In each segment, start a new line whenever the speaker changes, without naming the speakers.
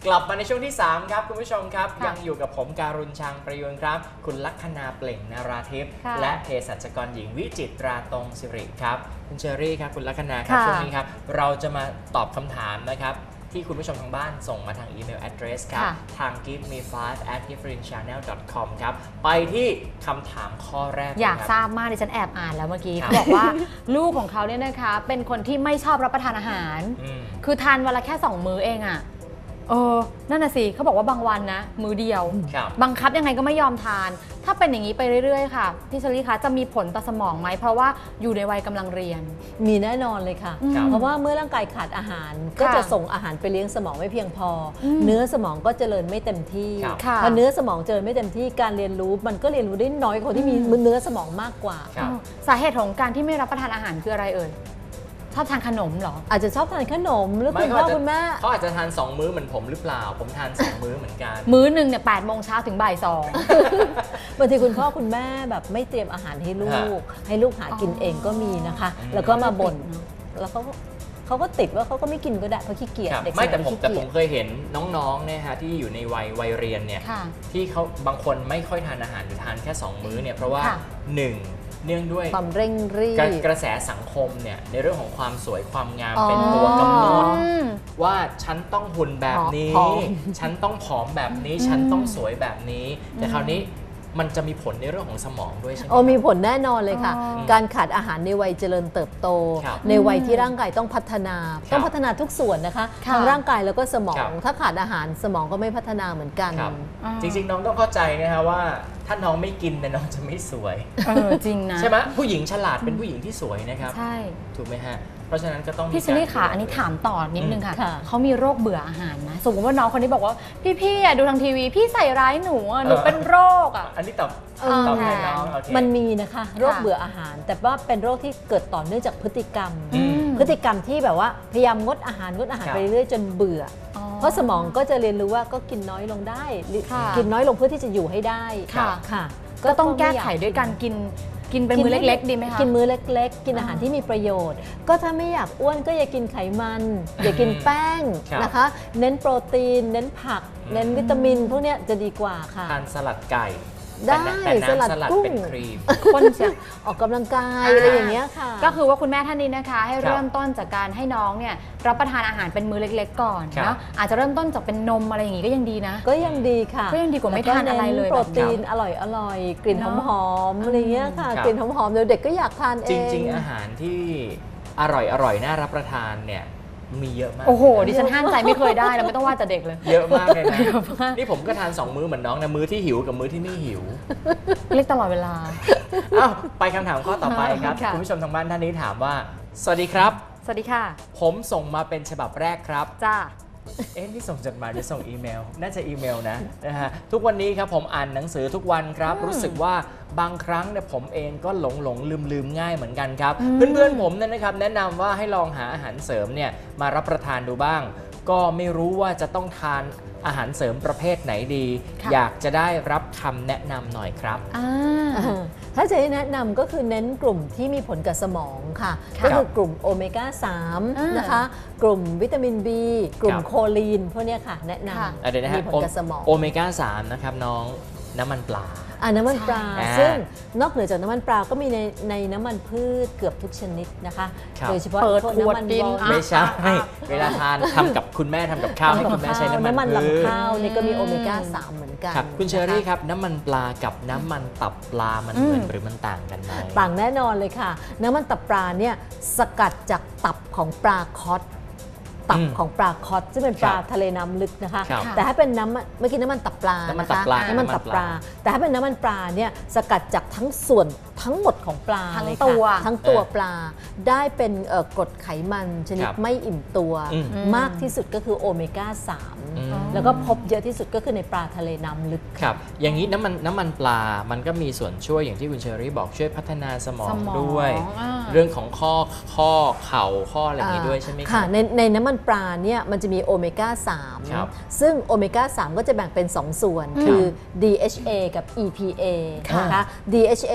กลับมาในช่วงที่3ครับคุณผู้ชมครับยังอยู่กับผมการุณชางประยุนครับคุณลัคนาเปล่งนาราทิพย์และเภสัชกรหญิงวิจิตราตรงสิริครับคุณเชอรี่ครับคุณลัคนาครับช่วงนี้ครับเราจะมาตอบคำถามนะครับที่คุณผู้ชมทางบ้านส่งมาทางอีเมล address ครับทาง giveme5@giftforinchannel.com ครับไปที่คำถามข้อแรก
อยากทราบมากดิฉันแอบอ่านแล้วเมื่อกี้เขาบอกว่าลูกของเขาเนี่ยนะคะเป็นคนที่ไม่ชอบรับประทานอาหารคือทานวันละแค่2 มื้อเองอะนั่นน่ะสิเขาบอกว่าบางวันนะมื้อเดียวบังคับยังไงก็ไม่ยอมทานถ้าเป็นอย่างนี้ไปเรื่อยๆค่ะพี่เชอรี่คะจะมีผลต่อสมองไหมเพราะว่าอยู่ในวัยกำลังเรียน
มีแน่นอนเลยค่ะเพราะว่าเมื่อร่างกายขาดอาหารก็จะส่งอาหารไปเลี้ยงสมองไม่เพียงพอเนื้อสมองก็เจริญไม่เต็มที่พอเนื้อสมองเจริญไม่เต็มที่การเรียนรู้มันก็เรียนรู้ได้น้อยกว่าคนที่มีเนื้อสมองมากกว่า
สาเหตุของการที่ไม่รับประทานอาหารคืออะไรเอ่ยชอบทานขนมเหรอ
อาจจะชอบทานขนมหรือคุณพ่อคุณแม่
เขาอาจจะทาน2 มื้อเหมือนผมหรือเปล่าผมทาน2 มื้อเหมือนกัน
มื้อหนึ่งเนี่ย8 โมงเช้าถึงบ่าย 2
บางทีคุณพ่อคุณแม่แบบไม่เตรียมอาหารให้ลูกหากินเองก็มีนะคะแล้วก็มาบ่นแล้วเขาก็ติดว่าเขาก็ไม่กินก็ได้เพราะขี้เกียจเด็ก
ไม่แต่ผมเคยเห็นน้องๆเนี่ยฮะที่อยู่ในวัยเรียนเนี่ยที่เขาบางคนไม่ค่อยทานอาหารหรือทานแค่2 มื้อเนี่ยเพราะว่า1เนื่องด้วย
ความเร่งรีบ
กระแสสังคมเนี่ยในเรื่องของความสวยความงามเป็นตัวกำหนดว่าฉันต้องหุ่นแบบนี้ฉันต้องผอมแบบนี้ฉันต้องสวยแบบนี้แต่คราวนี้มันจะมีผลในเรื่องของสมองด้วยใช่ไหม
มีผลแน่นอนเลยค่ะการขาดอาหารในวัยเจริญเติบโตในวัยที่ร่างกายต้องพัฒนาทุกส่วนนะคะทั้งร่างกายแล้วก็สมองถ้าขาดอาหารสมองก็ไม่พัฒนาเหมือนกัน
จริงๆน้องต้องเข้าใจนะคะว่าถ้าน้องไม่กินเนี่ยน้องจะไม่สวย
จริงนะ
ใช่ไหมผู้หญิงฉลาดเป็นผู้หญิงที่สวยนะครับ
ใช่
ถูกไหมฮะเพราะฉะนั้นก็ต้อง
พี่เชอรี่ค่ะอันนี้ถามต่อนิดนึงค่ะเขามีโรคเบื่ออาหารนะสมมติว่าน้องคนนี้บอกว่าพี่ดูทางทีวีพี่ใส่ร้ายหนูเป็นโรค
อันนี้ตอบให้น้อง
มันมีนะคะโรคเบื่ออาหารแต่ว่าเป็นโรคที่เกิดต่อเนื่องจากพฤติกรรมที่แบบว่าพยายามงดอาหารไปเรื่อยๆจนเบื่อเพราะสมองก็จะเรียนรู้ว่าก็กินน้อยลงได้กินน้อยลงเพื่อที่จะอยู่ให้ได้
ค่ะก็ต้องแก้ไขด้วยการกินเป็นมื้อเล็กๆดีไหมคะ
กินมื้อเล็กๆกินอาหารที่มีประโยชน์ก็ถ้าไม่อยากอ้วนก็อย่ากินไขมันอย่ากินแป้งนะคะเน้นโปรตีนเน้นผักเน้นวิตามินพวกนี้จะดีกว่าค่ะ
ทานสลัดไก่
ได้สลัดกุ้งคนจะออกกำลังกายอะไรอย่างเงี้ยค่ะ
ก็คือว่าคุณแม่ท่านนี้นะคะให้เริ่มต้นจากการให้น้องเนี่ยรับประทานอาหารเป็นมื้อเล็กๆก่อนนะอาจจะเริ่มต้นจากเป็นนมอะไรอย่างงี้ก็ยังดีนะ
ก็ยังดีค่ะ
ก็ยังดีกว่าไม่ทานอะไรเลย
โปรตีนอร่อยกลิ่นหอมๆอะไรเงี้ยค่ะกลิ่นหอมๆเด็กก็อยากทานเอง
จริงๆอาหารที่อร่อยน่ารับประทานเนี่ยมีเยอะมาก
โอ้โหดิฉันห้ามใจไม่เคยได้แล้วไม่ต้องว่าแต่เด็กเลย
เยอะมากเลยนะนี่ผมก็ทาน2 มื้อเหมือนน้องนะมื้อที่หิวกับมื้อที่ไม่หิว
เล็กตลอดเวลา
ไปคำถามข้อต่อไปครับคุณผู้ชมทางบ้านท่านนี้ถามว่าสวัสดีครับ
สวัสดีค่ะ
ผมส่งมาเป็นฉบับแรกครับ
จ้า
นี่ส่งจดหมายหรือส่งอีเมลน่าจะอีเมลนะฮะทุกวันนี้ครับผมอ่านหนังสือทุกวันครับรู้สึกว่าบางครั้งเนี่ยผมเองก็หลงลืมง่ายเหมือนกันครับเพื่อนผมเนี่ยนะครับแนะนำว่าให้ลองหาอาหารเสริมเนี่ยมารับประทานดูบ้างก็ไม่รู้ว่าจะต้องทานอาหารเสริมประเภทไหนดีอยากจะได้รับคำแนะนำหน่อยครับ
ถ้าจะแนะนำก็คือเน้นกลุ่มที่มีผลกับสมองค่ะก็คือกลุ่มโอเมก้า3นะคะกลุ่มวิตามิน B กลุ่มโคลีนพวกนี้ค่ะแนะนำมีผลกับสมอง
โอเมก้า3นะครับน้องน้ำมันปลา
น้ำมันปลาซึ่งนอกเหนือจากน้ำมันปลาก็มีในน้ำมันพืชเกือบทุกชนิดนะคะโดยเฉพาะน้ำมัน
ไม่ใช่เวลาทานทำกับคุณแม่ทำกับข้าวให้คุณแม่ใช้น้ำมัน
ลำข้าวนี่ก็มีโอเมก้า3เหมือนกัน
คุณเชอรี่ครับน้ำมันปลากับน้ำมันตับปลามันเหมือนหรือมันต่างกันไหม
ต่างแน่นอนเลยค่ะน้ำมันตับปลาเนี่ยสกัดจากตับของปลาคอสตับของปลาคอสซึ่งเป็นปลาทะเลน้ำลึกนะคะแต่ถ้าเป็นเมื่อกี้น้ำมันตับปลานะคะน้ำมันตับปลาแต่ถ้าเป็นน้ำมันปลาเนี่ยสกัดจากทั้งส่วนทั้งหมดของปลา
ทั้งตัว
ปลาได้เป็นกรดไขมันชนิดไม่อิ่มตัวมากที่สุดก็คือโอเมก้า3แล้วก็พบเยอะที่สุดก็คือในปลาทะเลน้ำลึก
ครับอย่างนี้น้ำมันปลามันก็มีส่วนช่วยอย่างที่คุณเชอรี่บอกช่วยพัฒนาสมองด้วยเรื่องของข้อเข่าข้ออะไรอย่างนี้ด้วยใช่ไหมครับ
ในน้ำมันปลาเนี่ยมันจะมีโอเมก้า3ซึ่งโอเมก้า3ก็จะแบ่งเป็น2 ส่วนคือ DHA กับ EPA นะคะ DHA จะบำ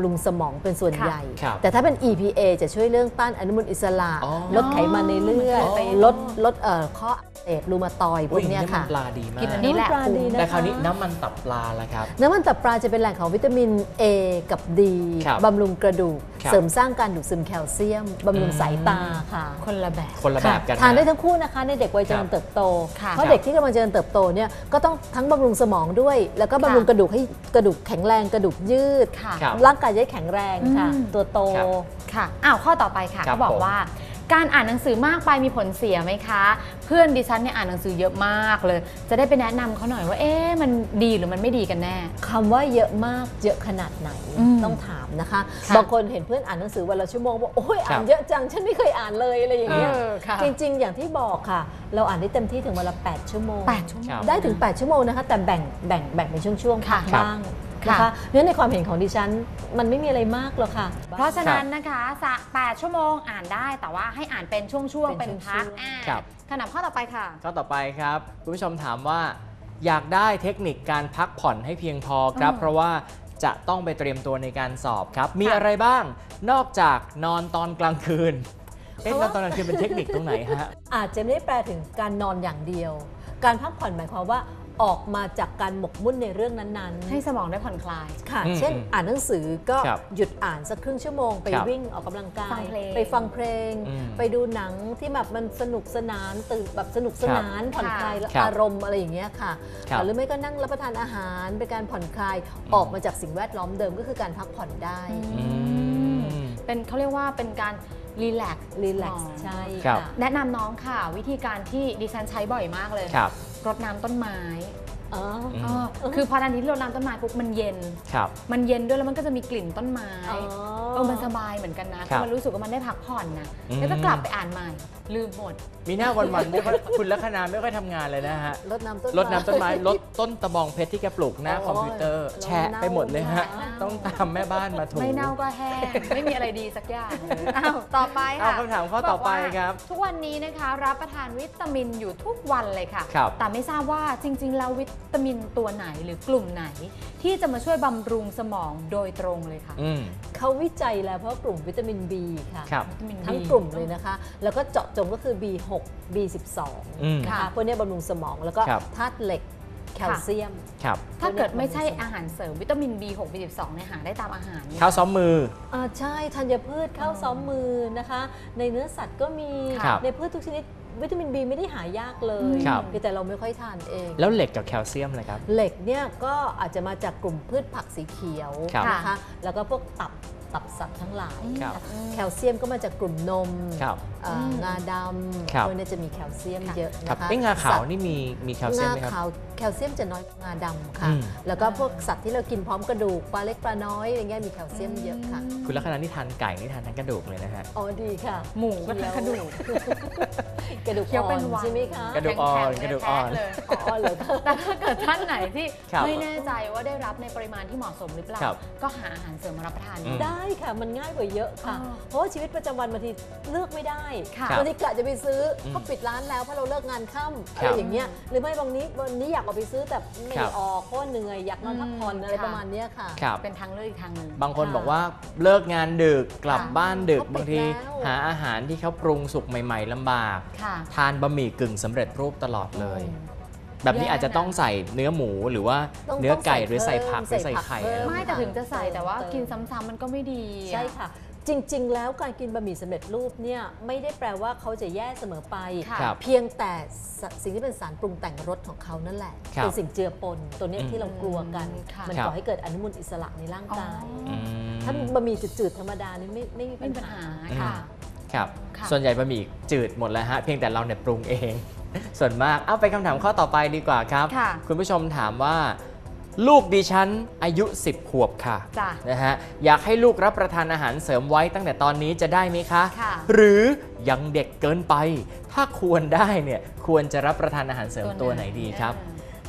ำรุงสมองเป็นส่วน
ค่ะ
ใหญ่
ครับ
แต่ถ้าเป็น EPA จะช่วยเรื่องต้านอนุมูลอิสระ
อ๋อ
ลดไขมันในเลือด
อ๋อ
ลดข้ออักเสบรูมาตอยด์พวกเนี้ย
น้ำมั
ค่ะ
นปลาดีมาก
กินอันนี้แหละ
น้ำปลาดีนะ
แต่คราวนี้น้ำมันตับปลาละครับ
น้ำมันตับปลาจะเป็นแหล่งของวิตามิน A กับ D
ครับ
บำรุงกระดูก
ครับ
เสริมสร้างการดูดซึมแคลเซียม บำรุงสายตาค่ะ
คนละแบบ
คนละแบบกัน
ทานได้
นะ
ทั้งคู่นะคะในเด็กวัยเจริญเติบโต
ค่ะ
เพราะเด็กที่กำลังเจริญเติบโตเนี่ยก็ต้องทั้งบำรุงสมองด้วย แล้วก็บำรุงกระดูกให้กระดูกแข็งแรงกระดูกยืด
ค่ะ
ครับ
ร่างกายจะได้แข็งแรงค่ะ
อืม
ตัวโต
ครับ
ค่ะอ้าวข้อต่อไปค่ะ
ครับ
เขาบอก
ผม
ว่า การอ่านหนังสือมากไปมีผลเสียไหมคะ เพื่อนดิฉันเนี่ยอ่านหนังสือเยอะมากเลย จะได้ไปแนะนำเขาหน่อยว่าเอ๊ะมันดีหรือมันไม่ดีกันแน่
คำว่าเยอะมากเยอะขนาดไหน
อืม
ต้องถามนะคะ
ค่ะ
บางคนเห็นเพื่อนอ่านหนังสือวันละชั่วโมงบอกโอ้ยอ่านเยอะจังฉันไม่เคยอ่านเลยอะไรอย่างเงี้ย
ค่ะ
จริง ๆ อย่างที่บอกค่ะ เราอ่านได้เต็มที่ถึงวันละ8 ชั่วโมง
8 ชั่วโม
ครั
ง
บ
ได้ถึง 8 ชั่วโมงนะคะแต่แบ่งเป็นช่วงๆ
ค่ะ
พักบ้าง
ค่ะ
นะคะเนื่องในความเห็นของดิฉันมันไม่มีอะไรมากหรอกค่ะ
เพราะฉะนั้นนะคะ8 ชั่วโมงอ่านได้แต่ว่าให้อ่านเป็นช่วงๆ
เป็
เป็น
น
พัก
ช่วงๆ
คำถามข้อต่อไปค่ะ
ข้อต่อไปครับคุณผู้ชมถามว่า อยากได้เทคนิคการพักผ่อนให้เพียงพอครับ เพราะว่าจะต้องไปเตรียมตัวในการสอบครับ มี
ค่ะ
อะไรบ้างนอกจากนอนตอนกลางคืนเอ๊ะ
เพราะ
นอ
ว่า
นตอนกลางคืนเป็นเทคนิคตรงไหนฮะ
อาจจะไม่ได้แปลถึงการนอนอย่างเดียว การพักผ่อนหมายความว่าออกมาจากการหมกมุ่นในเรื่องนั้นๆ
ให้สมองได้ผ่อนคลาย
ค่ะ
อืม
เช่นอ่านหนังสือก็
ครับ
หยุดอ่านสักครึ่งชั่วโมงไป
ครับ
วิ่งออกกำลังกา
ฟั
ย
งเพลง
ไปฟังเพลง
อืม
ไปดูหนังที่แบบมันสนุกสนานตื่นแบบสนุกสนานผ่อนคลาย
ครับ
อารมณ์อะไรอย่างเงี้ยค่ะ
ครับ
หรือไม่ก็นั่งรับประทานอาหารเป็นการผ่อนคลายออกมาจากสิ่งแวดล้อมเดิมก็คือการพักผ่อนได้
อืม
เป็นเขาเรียกว่าเป็นการรีแลกซ์
รีแลกซ์ใช่
ครับ
ค่ะ
แนะนำน้องค่ะ วิธีการที่ดิฉันใช้บ่อยมากเลย
ครับ
รดน้ำต้นไม้
อ๋อ
คือพอทันทีที่รดน้ำต้นไม้ปุ๊บมันเย็น
ครับ
มันเย็นด้วยแล้วมันก็จะมีกลิ่นต้นไม้
อ๋อ
มันสบายเหมือนกันนะ
ครับ
มันรู้สึกว่ามันได้พักผ่อนนะ
อืม
แล้วก็กลับไปอ่านใหม่ ลืมหมด
มีหน้าวันๆไม่ค่อยคุณลัคนาไม่ค่อยทำงานเลยนะฮะ
รดน้ำต้น
รดน้ำต้นไม้ลดต้นตะบองเพชรที่แกปลูกหน้า
โอ้ย
คอมพิวเตอร์
เรา
แชะไปหมดเลยฮะ
เน่า
ต้องตามแม่บ้านมาถู
ไม่เน่าก็แห้ง ไม่มีอะไรดีสักอย่างเลยอ้าวต่อไป
เอา
ค่ะ
คำถามข้อต่อไป
กว่า
ครับ
ทุกวันนี้นะคะรับประทานวิตามินอยู่ทุกวันเลยค่ะ
ครับ
แต่ไม่ทราบว่าจริงๆแล้ววิตามินตัวไหนหรือกลุ่มไหน ที่จะมาช่วยบำรุงสมองโดยตรงเลยค่ะ
อืม
เขาวิจัยแล้วเพราะกลุ่มวิตามิน B ค่ะ
ครับ
วิตามิน
ทั้ง
B
กลุ่มเลยนะคะ แล้วก็เจาะจงก็คือ B6 B12
อืม
นะ
ค่ะ
คะพวกเนี้ยบำรุงสมองแล้วก็
ครับ
ธาตุเหล็กแคลเซียม
ครับ
ถ้าเกิดไม่ใช่อาหารเสริมวิตามิน B6 B12 เนี่ยหาได้ตามอาหารไหม
ข้าวซ้อมมือ
ใช่ธัญพืชข้าวซ้อมมือนะคะ ในเนื้อสัตว์ก็มี
ครับ
ในพืชทุกชนิดวิตามิน B ไม่ได้หายากเลย
ครับ
คือแต่เราไม่ค่อยทานเอง
แล้วเหล็กกับแคลเซียมเลยครับ
เหล็กเนี่ยก็อาจจะมาจากกลุ่มพืชผักสีเขียว
ครับ
นะคะ แล้วก็พวกตับสัตว์ทั้งหลาย
ครับ
แคลเซียมก็มาจากกลุ่มนม
ครับ
งาด
ครับ
ำพวกนี้จะมีแคลเซียมเยอะ
ครับ
นะคะ
เอ้งาขาว
สัตว์
นี่มีแคลเซียมไหมครับ
งาขาวแคลเซียมจะน้อยกว่างาดำค่ะ
อืม
แล้วก็พวกสัตว์ที่เรากินพร้อมกระดูกปลาเล็กปลาน้อยอะไรเงี้ยมีแคลเซียมเยอะค่ะ
คุณลักษณะนี่ทานไก่นี่ทานทั้งกระดูกเลยนะฮะ
อ๋อดีค่ะ
หมูก็ทานกระดูก
กระดูก
เคี้ยว
อ่
เป็
อน
วัน
ใช่ไหมคะ
กระดูกอ่อน
แข็งๆ
กระดูกอ่อน
เลย
อ๋อเหรอคะ
แต่ถ้าเกิดท่านไหนที่
ครับ
ไม่แน่ใจว่าได้รับในปริมาณที่เหมาะสมหรือเปล่า
ครับ
ก็หาอาหารเสริมมารับประทาน
อืม
ได้ค่ะมันง่ายกว่าเยอะค่ะ
อ๋อ
เพราะว่าชีวิตประจำวันบางทีเลือกไม่ได้
ค่ะ
บางทีกะจะไปซื้ออ
ม
เขาปิดร้านแล้วเพราะเราเลิกงานค่ำ
ค
อะ
รับ
ไรอย่างเงี้ยหรือไม่วันนี้อยากออกไปซื้อแต่ไม่
ครับ
ออกเพราะว่าเหนื่อยอยากนอนพักผ่อนอะไร
ค่ะ
ประมาณเนี้ยค่ะ
ครับ
เป็นทางเลือกอีกทางหนึ่ง
บางคนบอกว่าเลิกงานดึกกลับ
ค่ะ
บ้านดึก
เขาปิด
บางที
แล้ว
หาอาหารที่เขาปรุงสุกใหม่ ๆลำบาก
ค่ะ
ทานบะหมี่กึ่งสำเร็จรูปตลอดเลย
อืม
แบบนี้อาจจะต้องใส่เนื้อหมูหรือว่า
ต้อง
เนื้อไก่
ต้องใส่
หรือใส่ผักห
เพิ่
รือ
ม
ใส่
ใส่ผัก
ไข่
เพิ่ม
ไม่แต่ถึงจะใส่แต่ว่า
เติม
กินซ้ำๆมันก็ไม่ดี
ใช่ค่ะ จริง ๆ แล้วการกินบะหมี่สำเร็จรูปเนี่ยไม่ได้แปลว่าเขาจะแย่เสมอไป
ค่ะ
ครับ
เพียงแต่สิ่งที่เป็นสารปรุงแต่งรสของเขานั่นแหละ
ครับ
เป็นสิ่งเจือปนตัวเนี้ย
อืม
ที่เรากลัวกัน
ค่ะ
มัน
ครับ
ก่อให้เกิดอนุมูลอิสระในร่างกาย
อืม
ถ้าบะหมี่จืดๆธรรมดานี่ไม่มี
ไม่มีปัญหา
ค่ะ
ค่ะ
ครับ
ค่ะ
ส่วนใหญ่บะหมี่จืดหมดแล้วฮะ เพียงแต่เราเนี่ยปรุงเอง ส่วนมาก เอาไปคำถามข้อต่อไปดีกว่าครับ
ค่ะ
คุณผู้ชมถามว่า ลูกดิฉันอายุ 10 ขวบค่ะ
จ้ะ
นะฮะ อยากให้ลูกรับประทานอาหารเสริมไว้ตั้งแต่ตอนนี้จะได้ไหมคะ
ค่ะ
หรือยังเด็กเกินไป ถ้าควรได้เนี่ยควรจะรับประทานอาหารเสริมตัวไหนดีครับ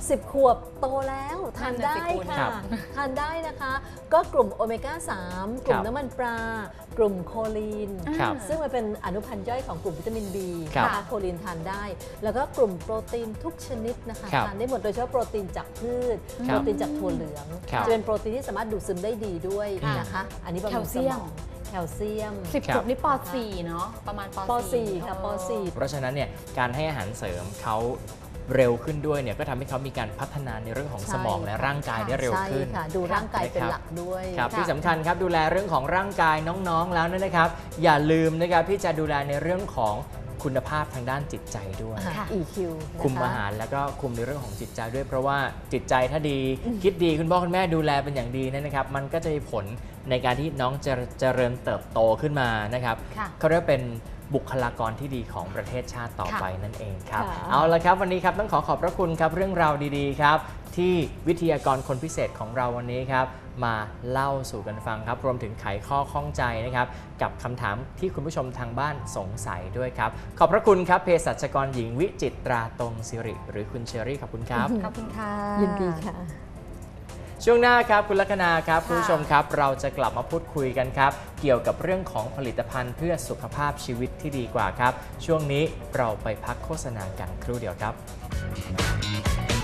10 ขวบโตแล้วทานได้
นั่นน่ะสิคุณ
ค่ะทานได้นะคะ ก็กลุ่มโอเมก้า 3 กลุ่มน้ำมันปลากลุ่มโคลีน
ครับ
ซึ่งมันเป็นอนุพันธ์ย่อยของกลุ่มวิตามิน B
ครับ
นะคะโคลีนทานได้ แล้วก็กลุ่มโปรตีนทุกชนิดนะคะ
ครับ
ทานได้หมดโดยเฉพาะโปรตีนจากพืช
ค
โป
รับ
รตีนจากถั่วเหลือง
ครับ
จะเป็นโปรตีนที่สามารถดูดซึมได้ดีด้วย
ค่ะ
นะคะ อันนี้บำรุงสมองแคลเซียม
10 ขวบนี่ป .4 เนาะประมาณป
ป
.4
.4 ค่ะป .4
เพราะฉะนั้นเนี่ยการให้อาหารเสริมเขาเร็วขึ้นด้วยเนี่ยก็ทำให้เขามีการพัฒนาในเรื่องของสมองและร่างกายได้เร็ว
ใช่
ขึ้น
ค่ะ ดูร่างกายเป็นหลักด้วย
ครับ
ค่ะ
ที่สำคัญครับดูแลเรื่องของร่างกายน้องๆแล้วนะครับ อย่าลืมนะครับที่จะดูแลในเรื่องของคุณภาพทางด้านจิตใจด้วย
ค่ะ
EQ นะคะ
คุมอาหารแล้วก็คุมในเรื่องของจิตใจด้วย เพราะว่าจิตใจถ้าดี คิดดีคุณพ่อคุณแม่ดูแลเป็นอย่างดีนะครับ มันก็จะมีผลในการที่น้องจะเจริญเติบโตขึ้นมานะครับ
ค่ะ
เขาเรียกเป็นบุคลากรที่ดีของประเทศชาติต่อไปนั่นเองครับ
ค่ะ
เอาละครับวันนี้ครับต้องขอบพระคุณครับเรื่องราวดีๆครับที่วิทยากรคนพิเศษของเราวันนี้ครับมาเล่าสู่กันฟังครับรวมถึงไขข้อข้องใจนะครับกับคำถามที่คุณผู้ชมทางบ้านสงสัยด้วยครับขอบพระคุณครับเภสัชกรหญิงวิจิตราตรงสิริหรือคุณเชอรี่ขอบคุณครับ
ขอบคุณค่ะ
ยินดีค่ะ
ช่วงหน้าครับคุณลัคนาครับคุณผู้ชมครับเราจะกลับมาพูดคุยกันครับเกี่ยวกับเรื่องของผลิตภัณฑ์เพื่อสุขภาพชีวิตที่ดีกว่าครับช่วงนี้เราไปพักโฆษณากันครู่เดียวครับ